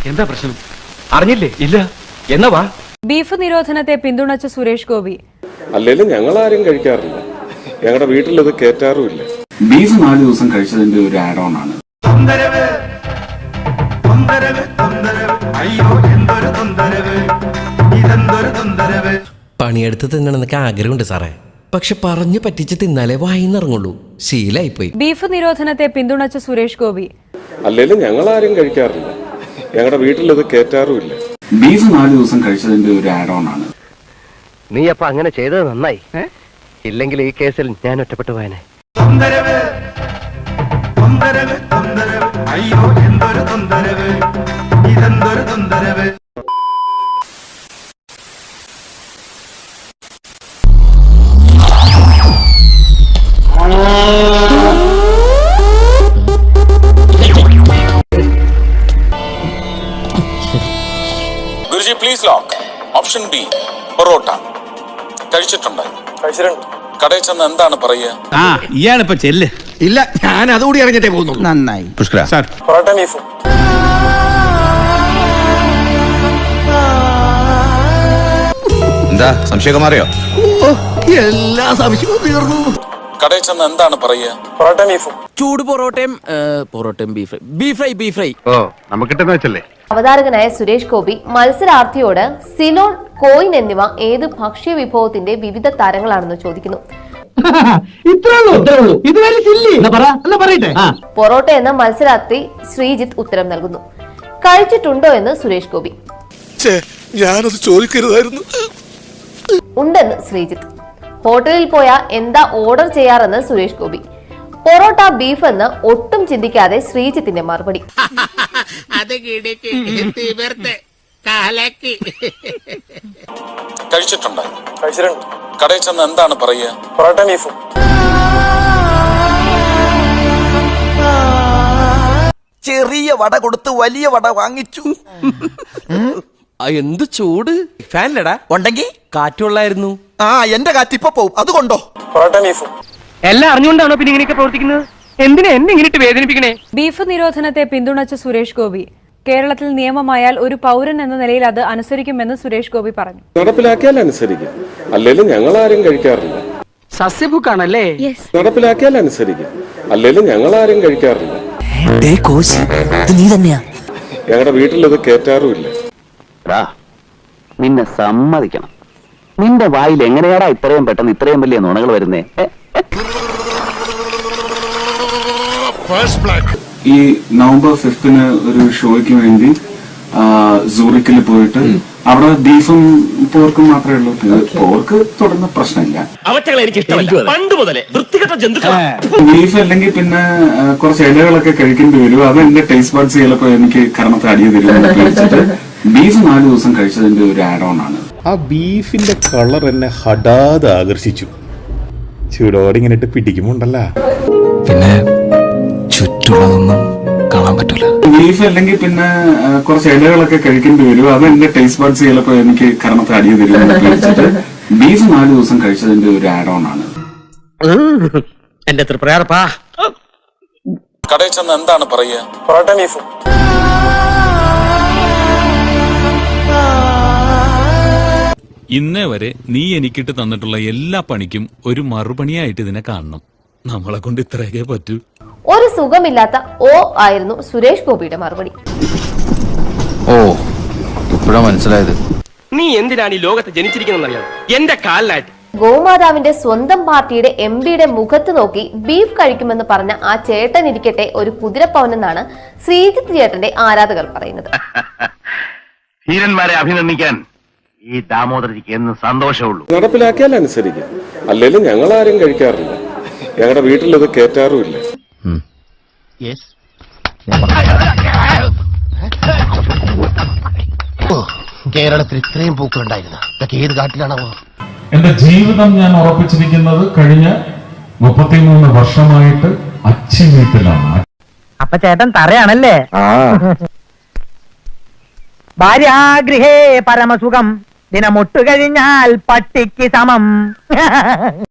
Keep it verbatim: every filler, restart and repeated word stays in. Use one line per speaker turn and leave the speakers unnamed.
എന്താ പ്രശ്നം? അറിഞ്ഞില്ലേ? ഇല്ല. എന്നാ വാ.
ബീഫ് നിരോധനത്തെ പിന്തുണച്ച സുരേഷ് ഗോപി.
അല്ലെങ്കിലും ഞങ്ങൾ ആരും കഴിക്കാറില്ല, ഞങ്ങളുടെ വീട്ടിലത് കേറ്റാറുമില്ല.
ബീഫ് നാല് ദിവസം കഴിച്ചതിന്റെ ഒരു ആഡ് ഓൺ ആണ്.
പണിയെടുത്ത് തിന്നണമെന്നൊക്കെ ആഗ്രഹമുണ്ട് സാറേ, പക്ഷെ പറഞ്ഞു പറ്റിച്ച് തിന്നാലേ വായിന്നിറങ്ങുള്ളൂ. ശീലായിപ്പോയി.
ബീഫ് നിരോധനത്തെ പിന്തുണച്ച സുരേഷ് ഗോപി.
അല്ലെങ്കിലും ഞങ്ങൾ ആരും കഴിക്കാറില്ല, ഞങ്ങളുടെ വീട്ടിലത് കേറ്റാറുമില്ല.
ബീഫ് നാല് ദിവസം കഴിച്ചതിന്റെ ഒരു ആഡ് ഓൺ ആണ്.
നീ അപ്പൊ അങ്ങനെ ചെയ്തത് നന്നായി. ഇല്ലെങ്കിൽ ഈ കേസിൽ ഞാൻ ഒറ്റപ്പെട്ടു പോയനെ.
Guruji please lock. Option B parotta. കഴിച്ചിട്ടുണ്ട്? കഴിച്ചിട്ടുണ്ട്. കടയിൽ ചെന്ന് എന്താണ് പറയുക?
ആ ഇയാളിപ്പോ ചെല്ല്.
ഇല്ല, ഞാൻ അതുകൂടി അറിഞ്ഞിട്ടേ പോകുന്നു.
നന്നായി.
പുഷ്കര സാർ,
പൊറോട്ട ബീഫും.
എന്താ സംശയം മാറിയോ? എല്ലാ സംശയവും തീർന്നു.
കടയിൽ ചെന്ന് എന്താണ് പറയുക? പൊറോട്ട ബീഫും.
ചൂട് പൊറോട്ടയും പൊറോട്ടയും beef fry beef fry beef fry
ഓ നമുക്ക് കിട്ടുന്ന വെച്ചല്ലേ.
അവതാരകനായ സുരേഷ് ഗോപി മത്സരാർത്ഥിയോട് സിലോൺ, കോയിൻ എന്നിവ ഏത് ഭക്ഷ്യ വിഭവത്തിന്റെ വിവിധ തരങ്ങളാണെന്ന് ചോദിക്കുന്നു. പൊറോട്ട എന്ന മത്സരാർത്ഥി ശ്രീജിത്ത് ഉത്തരം നൽകുന്നു. കഴിച്ചിട്ടുണ്ടോ എന്ന് സുരേഷ് ഗോപി.
ഞാനത് ചോദിക്കരുതായിരുന്നു.
ഉണ്ടെന്ന് ശ്രീജിത്ത്. ഹോട്ടലിൽ പോയാ എന്താ ഓർഡർ ചെയ്യാറെന്ന് സുരേഷ് ഗോപി. പൊറോട്ട ബീഫ് എന്ന് ഒട്ടും ചിന്തിക്കാതെ ശ്രീജിത്തിന്റെ മറുപടി.
കഴിച്ചിട്ടുണ്ട്? കഴിച്ചിട്ടുണ്ട്. കടയിൽ ചെന്ന് എന്താണ് പറയുക? പൊറോട്ട ബീഫും.
ചെറിയ വട കൊടുത്ത് വലിയ വട വാങ്ങിച്ചു.
എന്ത് ചൂട്! ഫാനിലടാ
ഉണ്ടെങ്കിൽ
കാറ്റുള്ളായിരുന്നു.
ആ എന്റെ കാറ്റ് ഇപ്പൊ പോവും, അതുകൊണ്ടോ?
പൊറോട്ട ബീഫും.
എല്ലാം അറിഞ്ഞുകൊണ്ടാണോ പിന്നെ ഇങ്ങനെയൊക്കെ പ്രവർത്തിക്കുന്നത്? എന്തിനാ എന്നെ ഇങ്ങനെ വേദനിപ്പിക്കണേ?
ബീഫ് നിരോധനത്തെ പിന്തുണച്ച സുരേഷ് ഗോപി. കേരളത്തിൽ നിയമമായാൽ ഒരു പൗരൻ എന്ന നിലയിൽ അത് അനുസരിക്കുമെന്ന് സുരേഷ് ഗോപി പറഞ്ഞു.
നടപ്പിലാക്കിയാൽ അനുസരിക്കും, അല്ലെങ്കിലും ഞങ്ങൾ ആരും കഴിക്കാറില്ല.
സസ്യഭുക്കാണല്ലേ?
നടപ്പിലാക്കിയാൽ അനുസരിക്കും, അല്ലെങ്കിലും ഞങ്ങൾ ആരും കഴിക്കാറില്ല. ഞങ്ങളുടെ വീട്ടിലത് കേറ്റാറുമില്ല.
നിന്നെ സമ്മതിക്കണം. നിന്റെ വായിൽ എങ്ങനെയാടാ ഇത്രയും പെട്ടെന്ന് ഇത്രയും വലിയ നുണകൾ വരുന്നേ?
ഈ നവംബർ ഫിഫ്തിന് ഒരു ഷോയ്ക്ക് വേണ്ടി സൂറിക്കിൽ പോയിട്ട് അവിടെ ബീഫും പോർക്കും മാത്രമേ ഉള്ളൂ. പോർക്ക് തുടർന്ന പ്രശ്നമില്ല. ബീഫ് അല്ലെങ്കിൽ പിന്നെ കുറച്ച് ഇലകളൊക്കെ കഴിക്കേണ്ടി വരും. അത് എന്റെ ടേസ്റ്റ് ബഡ്സ് ചിലപ്പോ എനിക്ക് കർമ്മത്തിൽ അടിയ തരും. ബീഫ് നാല് ദിവസം കഴിച്ചതിന്റെ ഒരു ആഡ് ഓൺ ആണ്.
ആ ബീഫിന്റെ കളർ എന്നെ ഹഠാത് ആകർഷിച്ചു. ചൂടോടെ ഇങ്ങനെ ഇട്ട് പിടിക്കുമ്പോണ്ടല്ല,
പിന്നെ ചുറ്റുള്ളതൊന്നും കാണാൻ പറ്റൂല.
ബീഫ് അല്ലെങ്കിൽ പിന്നെ കുറച്ച് ഇലകളൊക്കെ കഴിക്കേണ്ടി വരും. അത് എന്റെ ടേസ്റ്റ് ബഡ്സ് ചിലപ്പോ എനിക്ക് കർമ്മത്തിൽ അടിയ തരും. ബീഫ് നാല് ദിവസം കഴിച്ചതിന്റെ ഒരു ആഡ് ഓൺ ആണ്.
എന്റെ തൃപ്രയാറപ്പാ.
കടയിൽ ചെന്ന് എന്താണ് പറയുക? പൊറോട്ട ബീഫും.
ഇന്നേ വരെ നീ എനിക്കിട്ട് തന്നിട്ടുള്ള എല്ലാ പണിക്കും ഒരു മറുപണിയായിട്ട് ഇതിനെ കാണണം. നമ്മളെ കൊണ്ട് ഇത്രയൊക്കെ പറ്റൂ.
ഒരു സുഖമില്ലാത്ത ഓ ആയിരുന്നു സുരേഷ് ഗോപിയുടെ മറുപടി.
ഓ ഇപ്പോഴാ മനസ്സിലായത്.
നീ എന്തിനാണ് ഈ ലോകത്ത് ജനിച്ചിരിക്കുന്നറിയാം? എന്റെ കാലിനായിട്ട്.
ഗോമാതാവിന്റെ സ്വന്തം പാർട്ടിയുടെ എം പിയുടെ മുഖത്ത് നോക്കി ബീഫ് കഴിക്കുമെന്ന് പറഞ്ഞ ആ ചേട്ടൻ ഇരിക്കട്ടെ ഒരു കുതിരപ്പവനെന്നാണ് ശ്രീജിത്ത് ചേട്ടന്റെ ആരാധകർ പറയുന്നത്.
ധീരന്മാരെ അഭിനന്ദിക്കാൻ ഈ ദാമോദരജിക്ക് എന്ന് സന്തോഷമുള്ളൂ.
നടപ്പിലാക്കിയാൽ അനുസരിക്കും, അല്ലെങ്കിലും ഞങ്ങൾ ആരും കഴിക്കാറില്ല, ഞങ്ങളുടെ വീട്ടിലത് കേറ്റാറുമില്ല.
കേരളത്തിൽ ഇത്രയും പൂക്കളുണ്ടായിരുന്ന ഇതൊക്കെ ഏത് കാട്ടിലാണോ?
എന്റെ ജീവിതം ഞാൻ ഉറപ്പിച്ചിരിക്കുന്നത് കഴിഞ്ഞ മുപ്പത്തിമൂന്ന് വർഷമായിട്ട് അച്ഛൻ വീട്ടിലാണ്.
അപ്പൊ ചേട്ടൻ തറയാണല്ലേ? ഭാര്യാഗൃഹേ പരമസുഖം, ദിനമൊട്ടു കഴിഞ്ഞാൽ പട്ടിക്ക് സമം.